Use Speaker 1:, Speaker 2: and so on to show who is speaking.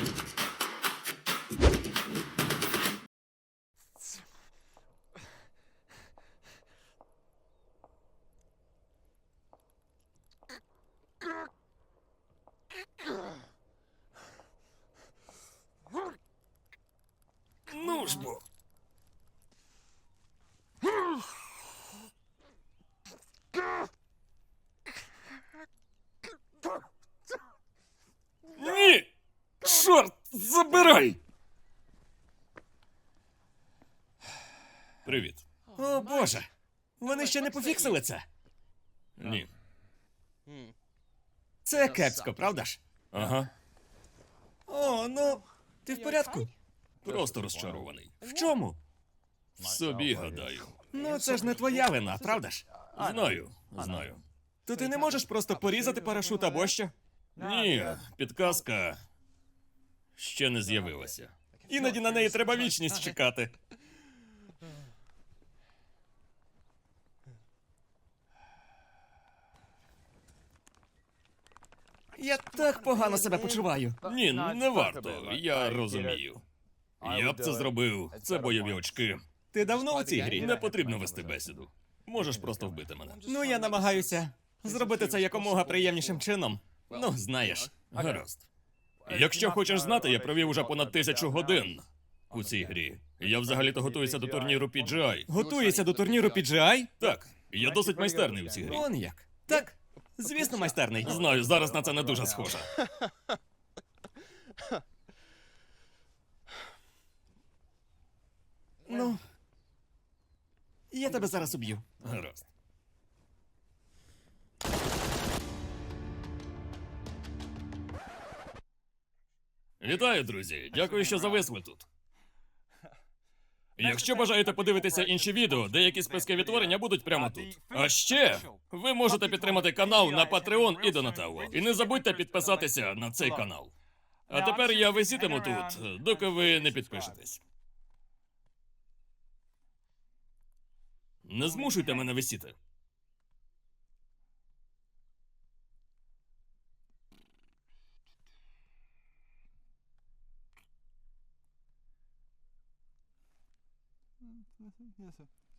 Speaker 1: Ну ж бо. Ні! Чорт, забирай! Привіт. О, Боже! Вони ще не пофіксили це? Ні. Це кепсько, правда ж? Ага. О, ну, ти в порядку? Просто розчарований. В чому? В собі, гадаю. Ну, це ж не твоя вина, правда ж? Знаю. То ти не можеш просто порізати парашут або що? Ні, підказка ще не з'явилася. Іноді на неї треба вічність чекати. Я так погано себе почуваю. Ні, не варто, я розумію. Я б це зробив, це бойові очки. Ти давно у цій грі? Не потрібно вести бесіду. Можеш просто вбити мене. Ну, я намагаюся зробити це якомога приємнішим чином. Ну, знаєш. Гаразд. Якщо хочеш знати, я провів уже понад 1000 годин у цій грі. Я взагалі-то готуюся до турніру PGI. Готуєшся до турніру PGI? Так. Я досить майстерний у цій грі. Он як. Так. Звісно, майстерний. Знаю, зараз на це не дуже схоже. Ну, я тебе зараз уб'ю. Гаразд. Вітаю, друзі! Дякую, що зависли тут. Якщо бажаєте подивитися інші відео, деякі списки відтворення будуть прямо тут. А ще ви можете підтримати канал на Patreon і Donatello. І не забудьте підписатися на цей канал. А тепер я висітиму тут, доки ви не підпишетесь. Не змушуйте мене висіти.
Speaker 2: Yes, sir.